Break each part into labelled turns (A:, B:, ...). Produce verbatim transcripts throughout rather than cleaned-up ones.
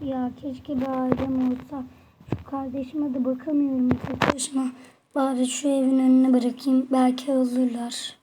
A: Ya keşke bir ailem olsa. Şu kardeşime de bakamıyorum tek başıma. Bari şu evin önüne bırakayım. Belki alırlar.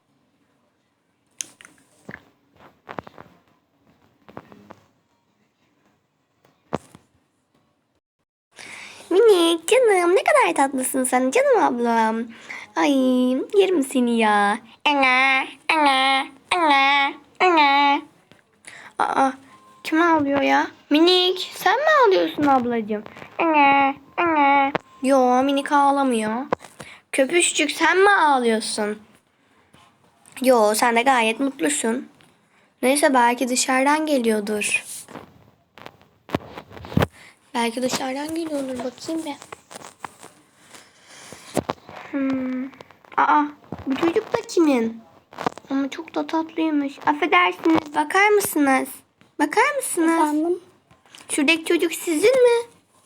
B: Minik canım, ne kadar tatlısın sen canım ablam. Ay, yerim seni ya. Ana, ana, ana, ana. Aa, kim ağlıyor ya? Minik, sen mi ağlıyorsun ablacığım? Ana, ana. Yo, Minik ağlamıyor. Köpüşçük, sen mi ağlıyorsun? Yo, sen de gayet mutlusun. Neyse, belki dışarıdan geliyordur. Belki dışarıdan geliyordur, bakayım bir. Hmm. Aa, bu çocuk da kimin? Ama çok da tatlıymış. Affedersiniz, bakar mısınız? Bakar mısınız?
A: Efendim?
B: Şuradaki çocuk sizin mi?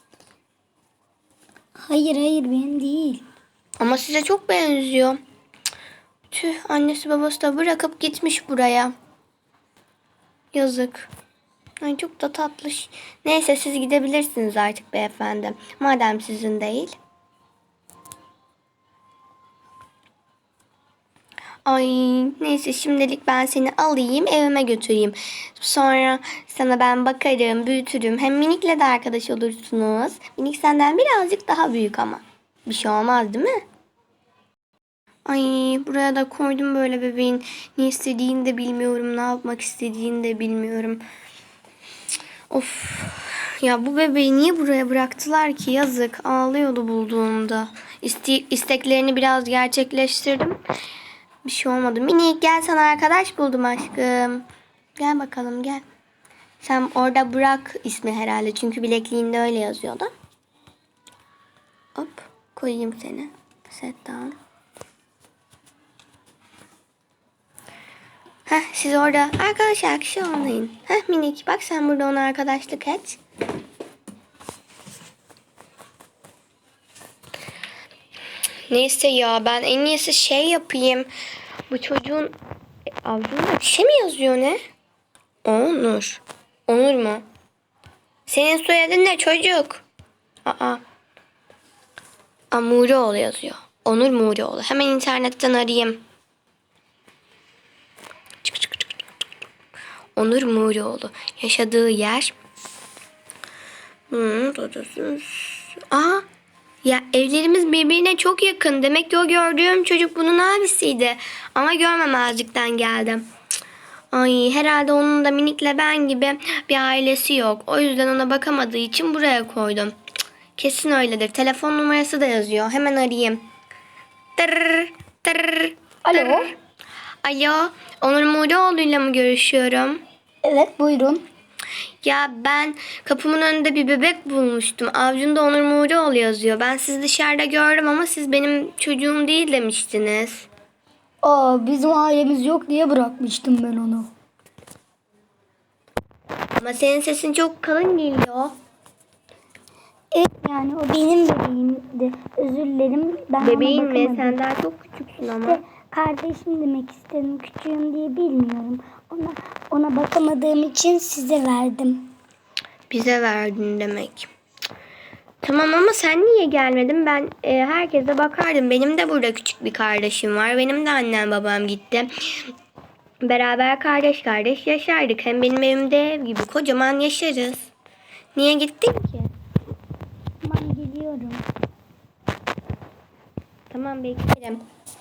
A: Hayır hayır benim değil.
B: Ama size çok benziyor. Tüh, annesi babası da bırakıp gitmiş buraya. Yazık. Ay, çok da tatlış. Neyse, siz gidebilirsiniz artık beyefendi. Madem sizin değil. Ay, neyse, şimdilik ben seni alayım, evime götüreyim. Sonra sana ben bakarım, büyütürüm. Hem Minik'le de arkadaş olursunuz. Minik senden birazcık daha büyük ama. Bir şey olmaz değil mi? Ay, buraya da koydum böyle bebeğin. Ne istediğini de bilmiyorum, ne yapmak istediğini de bilmiyorum. Of. Ya bu bebeği niye buraya bıraktılar ki? Yazık. Ağlıyordu bulduğumda. İste isteklerini biraz gerçekleştirdim. Bir şey olmadı. Minik, gel, sana arkadaş buldum aşkım. Gel bakalım, gel. Sen orada bırak ismi herhalde. Çünkü bilekliğinde öyle yazıyordu. Hop, koyayım seni. Set down. Heh, siz orada arkadaş arkadaş olmayın. Heh Minik, bak sen burada ona arkadaşlık et. Neyse ya, ben en iyisi şey yapayım. Bu çocuğun avcunda bir şey mi yazıyor, ne? Onur. Onur mu? Senin soyadın ne çocuk? Aa. Amuroğlu yazıyor. Onur Muroğlu. Hemen internetten arayayım. Çık çık çık. Onur Muroğlu. Yaşadığı yer. Hmm, Aa. Ya evlerimiz birbirine çok yakın. Demek ki o gördüğüm çocuk bunun abisiydi. Ama görmemezlikten geldim. Ay, herhalde onun da Minik'le ben gibi bir ailesi yok. O yüzden ona bakamadığı için buraya koydum. Kesin öyledir. Telefon numarası da yazıyor. Hemen arayayım. Tırr, tırr,
A: Alo.
B: tırr. Alo. Onur Muğluoğlu'yla mı görüşüyorum?
A: Evet buyurun.
B: Ya ben kapımın önünde bir bebek bulmuştum. Avcunda Onur Muğluoğlu yazıyor. Ben sizi dışarıda gördüm ama siz benim çocuğum değil demiştiniz.
A: Aa bizim ailemiz yok diye bırakmıştım ben onu.
B: Ama senin sesin çok kalın geliyor.
A: Evet yani o benim bebeğimdi. Özür dilerim. Ben
B: Bebeğin
A: ona
B: mi?
A: bakamadım.
B: Sen daha çok küçüksün ama.
A: İşte kardeşim demek istedim. Küçüğüm diye bilmiyorum. Ona ona bakamadığım için size verdim.
B: Bize verdin demek. Tamam ama sen niye gelmedin? Ben e, herkese bakardım. Benim de burada küçük bir kardeşim var. Benim de annem babam gitti. Beraber kardeş kardeş yaşardık. Hem benim evimde ev gibi kocaman yaşarız. Niye gittin ki?
A: Tamam geliyorum.
B: Tamam, beklerim.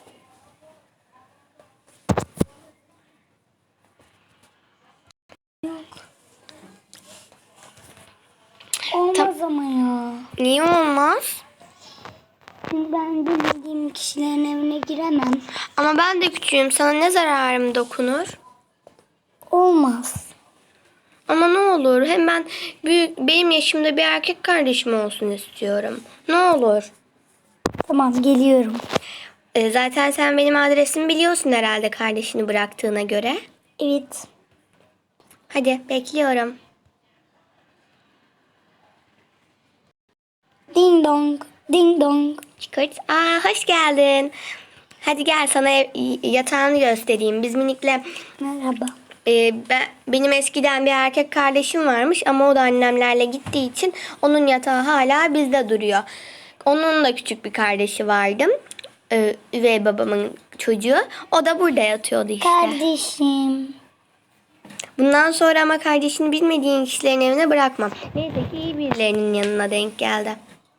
A: Olmaz ama ya.
B: Niye olmaz?
A: Şimdi ben bilmediğim kişilerin evine giremem.
B: Ama ben de küçüğüm. Sana ne zararım dokunur?
A: Olmaz.
B: Ama ne olur. Hem ben büyük, benim yaşımda bir erkek kardeşim olsun istiyorum. Ne olur.
A: Tamam geliyorum.
B: E, zaten sen benim adresimi biliyorsun herhalde kardeşini bıraktığına göre.
A: Evet.
B: Hadi bekliyorum.
A: Ding dong. Ding dong.
B: Çıkart. Aa, hoş geldin. Hadi gel, sana ev, yatağını göstereyim. Biz Minik'le
A: Merhaba.
B: Ee, ben, benim eskiden bir erkek kardeşim varmış ama o da annemlerle gittiği için onun yatağı hala bizde duruyor. Onun da küçük bir kardeşi vardı. Ee, üvey babamın çocuğu. O da burada yatıyordu işte.
A: Kardeşim.
B: Bundan sonra ama kardeşini bilmediğin kişilerin evine bırakmam. Neyse ki iyi birilerinin yanına denk geldi.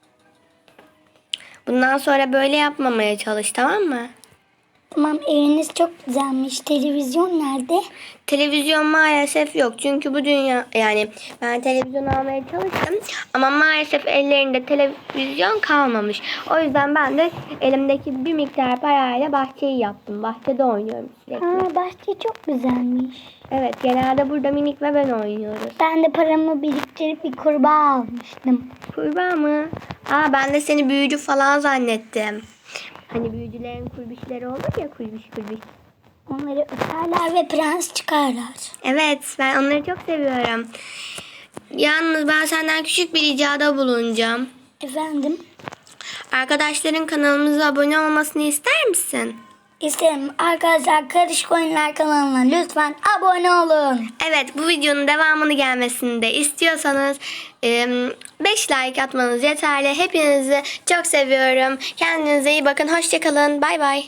B: Bundan sonra böyle yapmamaya çalış, tamam mı?
A: Tamam, eviniz çok güzelmiş. Televizyon nerede?
B: Televizyon maalesef yok. Çünkü bu dünya, yani ben televizyon almaya çalıştım ama maalesef ellerinde televizyon kalmamış. O yüzden ben de elimdeki bir miktar parayla bahçeyi yaptım. Bahçede oynuyorum sürekli.
A: Ha, bahçe çok güzelmiş.
B: Evet, genelde burada Minik ve ben oynuyoruz.
A: Ben de paramı biriktirip bir kurbağa almıştım.
B: Kurbağa mı? Aa, ben de seni büyücü falan zannettim. Hani büyücülerin kurbişleri olur ya, kurbiş kurbiş.
A: Onları öperler ve prens çıkarlar.
B: Evet, ben onları çok seviyorum. Yalnız ben senden küçük bir ricada bulunacağım.
A: Efendim?
B: Arkadaşların kanalımıza abone olmasını ister misin?
A: İsterim. Arkadaşlar, Karışık Oyunlar kanalına lütfen abone olun.
B: Evet, bu videonun devamını gelmesini de istiyorsanız beş like atmanız yeterli. Hepinizi çok seviyorum. Kendinize iyi bakın. Hoşça kalın. Bay bay.